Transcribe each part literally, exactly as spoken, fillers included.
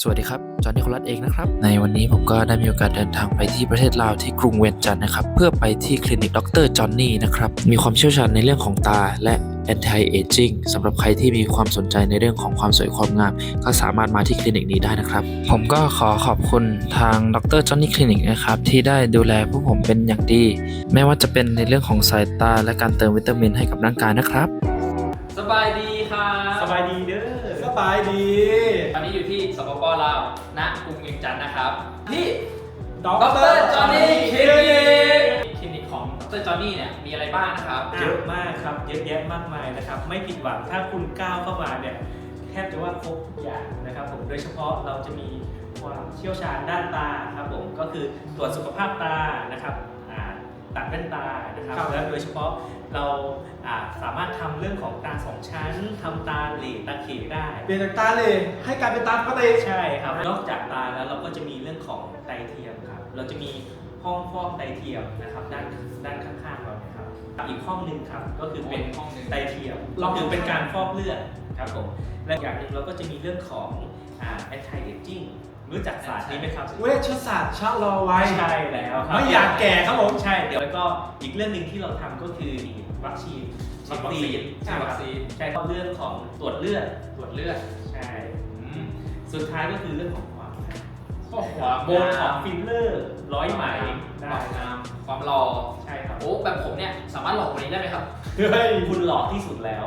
สวัสดีครับจอห์นนิโคลัสเองนะครับในวันนี้ผมก็ได้มีโอกาสเดินทางไปที่ประเทศลาวที่กรุงเวียงจันทร์นะครับเพื่อไปที่คลินิกดรจอห์นนี่นะครับมีความเชี่ยวชาญในเรื่องของตาและ anti aging สำหรับใครที่มีความสนใจในเรื่องของความสวยความงามก็สามารถมาที่คลินิกนี้ได้นะครับผมก็ขอขอบคุณทางดรจอห์นนี่คลินิกนะครับที่ได้ดูแลพวกผมเป็นอย่างดีไม่ว่าจะเป็นในเรื่องของสายตาและการเติมวิตามินให้กับร่างกายนะครับสบายดีครับสบายดีเด้อสบายดีตอนนี้อยู่ที่สปป.ลาวณกรุงเวียงจันทร์นะครับที่ดดรรจอห์นนี่คลินิกคลินิกของดรจอห์นนี่เนี่ยมีอะไรบ้างนะครับเยอะมากครับเยอะแยะมากมายนะครับไม่ผิดหวังถ้าคุณก้าวเข้ามาเนี่ยแทบจะว่าครบทุกอย่างนะครับผมโดยเฉพาะเราจะมีความเชี่ยวชาญด้านตาครับผมก็คือตรวจสุขภาพตานะครับตัดแว่นตานะครับและโดยเฉพาะเราสามารถทำเรื่องของตาสองชั้นทำตาเหล่ตาเขได้เปลี่ยนจากตาเหล่ให้กลายเป็นตาปกติใช่ครับนอกจากตาแล้วเราก็จะมีเรื่องของไตเทียมครับเราจะมีห้องฟอกไตเทียมนะครับด้านด้านข้างๆเราเนี่ยครับอีกห้องหนึ่งครับก็คือเป็นห้องไตเทียมก็คือเป็นการฟอกเลือดครับผมและอย่างหนึ่งเราก็จะมีเรื่องของอ่า anti aging รู้จักศาสตร์นี้ไหมครับเวชศาสตร์ชะลอวัยใช่แล้วครับไม่อยากแก่ครับผมใช่เดี๋ยวแล้วก็อีกเรื่องหนึ่งที่เราทำก็คือวัคซีนวัคซีนใช่วัคซีนใช่ครับเรื่องของตรวจเลือดตรวจเลือดใช่สุดท้ายก็คือเรื่องของความความโบนของฟิลเลอร์ร้อยไหมได้งามความหล่อใช่ครับโอ้แบบผมเนี่ยสามารถหล่อกว่านี้ได้ไหมครับเฮ้ยคุณหล่อที่สุดแล้ว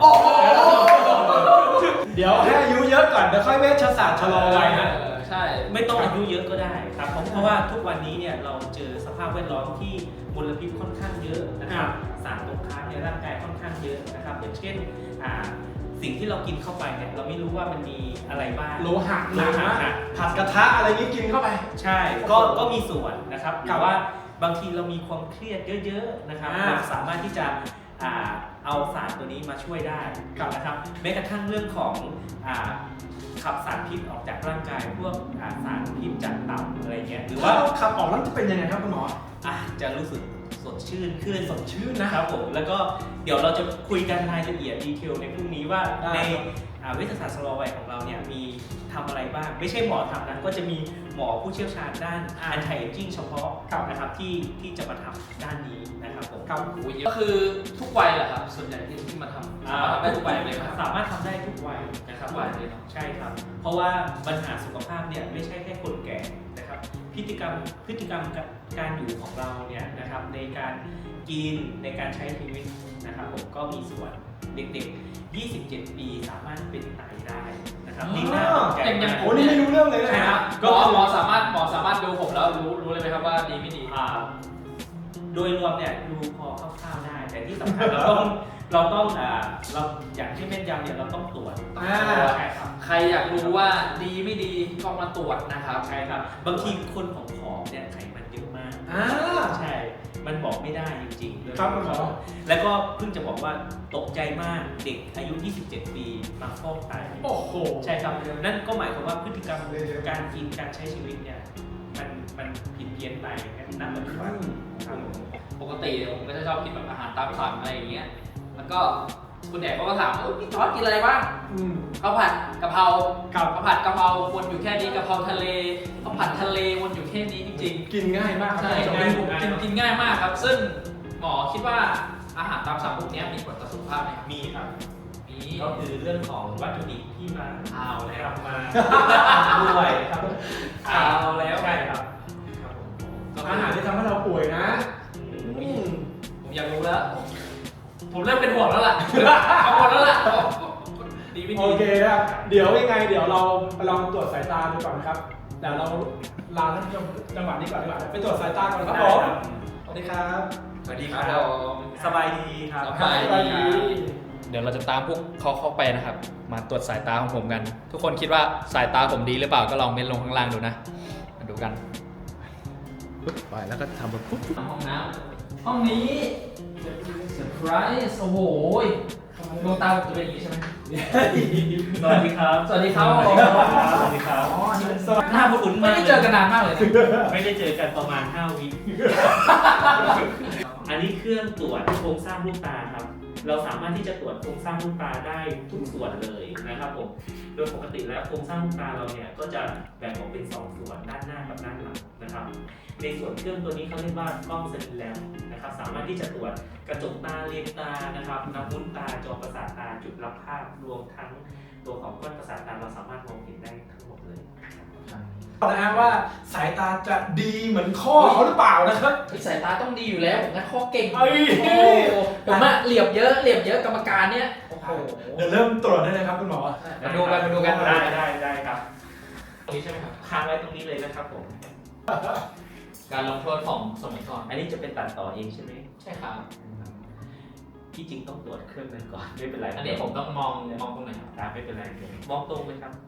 เดี๋ยวให้อายุเยอะก่อนเดี๋ยวค่อยเวชศาสตร์ชะลอวัยนะใช่ไม่ต้องอายุเยอะก็ได้ครับเพราะว่าทุกวันนี้เนี่ยเราเจอสภาพแวดล้อมที่มลพิษค่อนข้างเยอะนะครับสารตกค้างในร่างกายค่อนข้างเยอะนะครับอย่างเช่นสิ่งที่เรากินเข้าไปเนี่ยเราไม่รู้ว่ามันมีอะไรบ้างโลหะโลหะผัดกระทะอะไรนี้กินเข้าไปใช่ก็ก็มีส่วนนะครับแต่ว่าบางทีเรามีความเครียดเยอะๆนะครับเราสามารถที่จะเอาสารตัวนี้มาช่วยได้นะครับแม้กระทั่งเรื่องของขับสารพิษออกจากร่างกายพวกสารพิษจากตับอะไรเงี้ยหรือว่าขับออกแล้วจะเป็นยังไงครับคุณหมออ่ะจะรู้สึกสดชื่นขึ้นสดชื่นนะครับผมแล้วก็เดี๋ยวเราจะคุยกันรายละเอียดดีเทลในพรุ่งนี้ว่าในเวชศาสตร์ชะลอวัยของเราเนี่ยมีทำอะไรบ้างไม่ใช่หมอทำนะก็จะมีหมอผู้เชี่ยวชาญด้าน anti aging เฉพาะนะครับที่ที่จะมาทำด้านนี้นะครับผมครับก็คือทุกวัยแหละครับส่วนใหญ่ที่ที่มาทำสามารถทำได้ทุกวัยเลยครับสามารถทำได้ทุกวัยนะครับวัยเลยใช่ครับเพราะว่าปัญหาสุขภาพเนี่ยไม่ใช่แค่คนแก่นะครับพฤติกรรมพฤติกรรมการอยู่ของเราเนี่ยนะครับในการกินในการใช้ชีวิตนะครับผมก็มีส่วนเด็กๆยี่สิบเจ็ดปีสามารถเป็นไตได้นะครับนี่น่าสนใจอย่างอย่างโอ้นี่ไม่รู้เรื่องเลยนะครับก็หมอสามารถหมอสามารถดูผมแล้วรู้รู้เลยไหมครับว่าดีไม่ดีอ่าโดยรวมเนี่ยดูพอคร่าวๆได้แต่ที่สำคัญเราต้องเราต้องอ่าเราอย่างที่แม่นยำเนี่ยเราต้องตรวจใช่ครับใครอยากรู้ว่าดีไม่ดีก็มาตรวจนะครับใช่ครับบางทีคนผอมๆเนี่ยไขมันเยอะมากใช่มันบอกไม่ได้จริงๆเลยครับคุณหมอแล้วก็เพิ่งจะบอกว่าตกใจมากเด็กอายุยี่สิบเจ็ดปีมาฟอกไตโอ้โหใช่ครับนั่นก็หมายความว่าพฤติกรรมการกินการใช้ชีวิตเนี่ยมันมันผิดเพี้ยนไปนั่นปัจจุบันปกติผมก็จะชอบกินแบบอาหารตามสั่งอะไรอย่างเงี้ยมันก็คุณแดกก็ถามว่าพี่จอร์จกินอะไรบ้างข้าวผัดกะเพราข้าวผัดกะเพราวนอยู่แค่นี้กะเพราทะเลข้าวผัดทะเลวนอยู่แค่นี้จริงๆกินง่ายมากใช่กินกินง่ายมากครับซึ่งหมอคิดว่าอาหารตามสั่งพวกนี้มีผลต่อสุขภาพไหมครับมีครับมีก็คือเรื่องของวัตถุดิบที่มาเอาแล้วมาด้วยครับเอาแล้วใช่ครับอาหารที่ทำให้เราป่วยนะผมอยากรู้แล้วผมเริ่มเป็นห่วงแล้วล่ะเอาหมดแล้วล่ะดีไม่ดีโอเคครับเดี๋ยวยังไงเดี๋ยวเราไปลองตรวจสายตาดูก่อนครับเดี๋ยวเราลาท่านผู้ชมจังหวะนี้ก่อนดีกว่าไปตรวจสายตาก่อนครับผมสวัสดีครับสวัสดีครับสบายดีครับสบายดีเดี๋ยวเราจะตามพวกเขาเข้าไปนะครับมาตรวจสายตาของผมกันทุกคนคิดว่าสายตาผมดีหรือเปล่าก็ลองเม้นลงข้างล่างดูนะมาดูกันไปแล้วก็ทำแบบปุ๊บห้องน้ำห้องนี้เซอร์ไพรส์โอ้โหดวงตาจะเป็นอย่างนี้ใช่ไหมสวัสดีครับสวัสดีครับสวัสดีครับอ๋อนี่เป็นหน้าคุ้นไม่ได้เจอกันนานมากเลยไม่ได้เจอกันประมาณห้าวิอันนี้เครื่องตรวจโครงสร้างลูกตาครับเราสามารถที่จะตรวจโครงสร้างลูกตาได้ทุกส่วนเลยนะครับผมโดยปกติแล้วโครงสร้างลูกตาเราเนี่ยก็จะแบ่งออกเป็นสองส่วนด้านหน้ากับด้านหลังนะครับในส่วนเครื่องตัวนี้เขาเรียกว่ากล้องเซนแลมนะครับสามารถที่จะตรวจกระจกตาเลนตานะครับน้ำวุ้นตาจอประสาทตาจุดรับภาพรวมทั้งตัวของก้อนประสาทตาเราสามารถมองเห็นได้ทั้งหมดเลยนะฮะว่าสายตาจะดีเหมือนข้อเขาหรือเปล่านะครับสายตาต้องดีอยู่แล้วผมนะข้อเก่งเอ้ยโอ้โหผมอะเหลียบเยอะเหลียบเยอะกรรมการเนี่ยโอ้โหเดี๋ยวเริ่มตรวจได้เลยครับคุณหมอมาดูกันมาดูกันได้ได้ได้ครับตรงนี้ใช่ไหมครับค้างไว้ตรงนี้เลยนะครับผมการลงโทษของสมัยก่อนอันนี้จะเป็นตัดต่อเองใช่ไหมใช่ครับที่จริงต้องตรวจเครื่องนั้นก่อนไม่เป็นไรอันนี้ผมต้องมองมองตรงไหนครับตาไม่เป็นไรเดี๋ยวมองตรงเลยครับ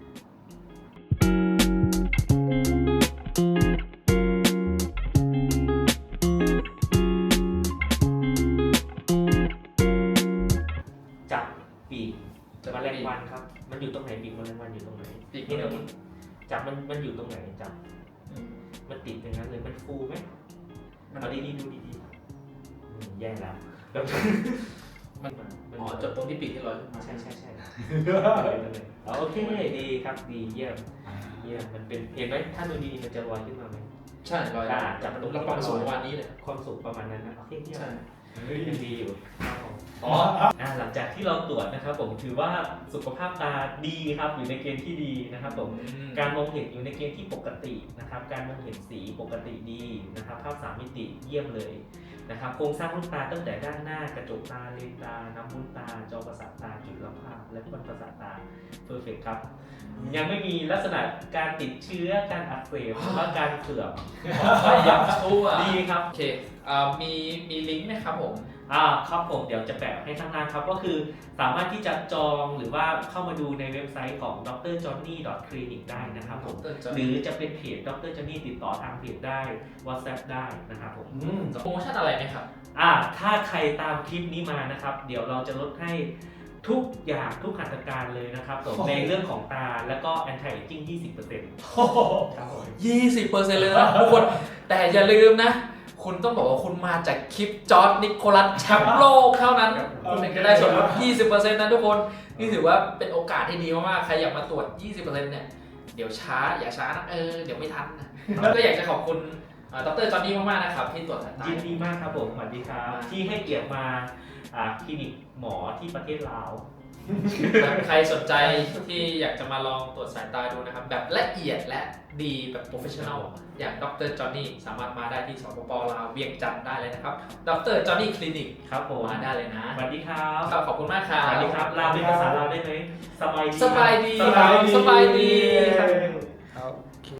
จับปีกแมลงวันครับ มันอยู่ตรงไหนปีกแมลงวันอยู่ตรงไหนปีกนี่นี่เราเราจับมันมันอยู่ตรงไหนจับมันติดอย่างนั้นเลยมันฟูไหมเอาดีๆดูดีๆอืมแย่แล้วแบบมันอ๋อจบตรงที่ปีกที่ลอยขึ้นมาใช่ใช่ใช่เอาโอเคดีครับดีเยี่ยมเยี่ยมมันเป็นเห็นไหมถ้าดูดีๆมันจะลอยขึ้นมาไหมใช่ลอยอ่าจับมันตรงเราความสูงประมาณนี้เลยความสูงประมาณนั้นนะโอเคเยี่ยมใช่ยังดีอยู่อ๋ออ่าหลังจากที่เราตรวจนะครับผมถือว่าสุขภาพตาดีครับอยู่ในเกณฑ์ที่ดีนะครับผมการมองเห็นอยู่ในเกณฑ์ที่ปกตินะครับการมองเห็นสีปกติดีนะครับภาพสามมิติเยี่ยมเลยนะครับโครงสร้างลูกตาตั้งแต่ด้านหน้ากระจกตาเลนตาน้ำวุ้นตาจอประสาทตาจุดรับภาพและก้อนประสาทตาเพอร์เฟกครับยังไม่มีลักษณะการติดเชื้อการอักเสบหรือว่าการเสื่อมก็ยังชั่วดีครับโอเคอ่ามีมีลิงก์ไหมครับผมอ่าครับผมเดี๋ยวจะแปะให้ข้างล่างครับก็คือสามารถที่จะจองหรือว่าเข้ามาดูในเว็บไซต์ของ ดรจอห์นนี่ ดอท คลินิก ได้นะครับผมหรือจะเป็นเพจ ดรจอห์นนี่ ติดต่อทางเพจได้ WhatsApp ได้นะครับผมอืมโปรโมชั่นอะไรไหมครับอ่าถ้าใครตามคลิปนี้มานะครับ เดี๋ยวเราจะลดให้ทุกอย่างทุกหัตถการเลยนะครับผมในเรื่องของตาแล้วก็ anti aging ยี่สิบเปอร์เซ็นต์โอ้โหครับผมยี่สิบเปอร์เซ็นต์เลยนะทุกคน แต่อย่าลืมนะ คุณต้องบอกว่าคุณมาจากคลิปจอร์จนิโคลัสแชมป์โลกเท่านั้น คุณถึงจะได้ส่วนลด ยี่สิบเปอร์เซ็นต์ นะทุกคน นี่ถือว่าเป็นโอกาสที่ดีมากๆ ใครอยากมาตรวจ ยี่สิบเปอร์เซ็นต์ เนี่ย เดี๋ยวช้า อย่าช้านะ เออ เดี๋ยวไม่ทันนะ ก็อยากจะขอบคุณอ่าดรจอห์นนี่มากๆ นะครับ ที่ตรวจสายตายินดีมากครับผมสวัสดีครับ ที่ให้เกียรติมาอ่าคลินิกหมอที่ประเทศลาวใครสนใจที่อยากจะมาลองตรวจสายตาดูนะครับ แบบละเอียดและดีแบบโปรเฟชชั่นอลอย่างดรจอห์นนี่สามารถมาได้ที่สปปลาวเวียงจันทร์ได้เลยนะครับดรจอห์นนี่คลินิกครับผมมาได้เลยนะสวัสดีครับครับขอบคุณมากครับสวัสดีครับลาวเป็นภาษาลาวได้ไหมสบายดีสบายดีสบายดีสบายดีครับ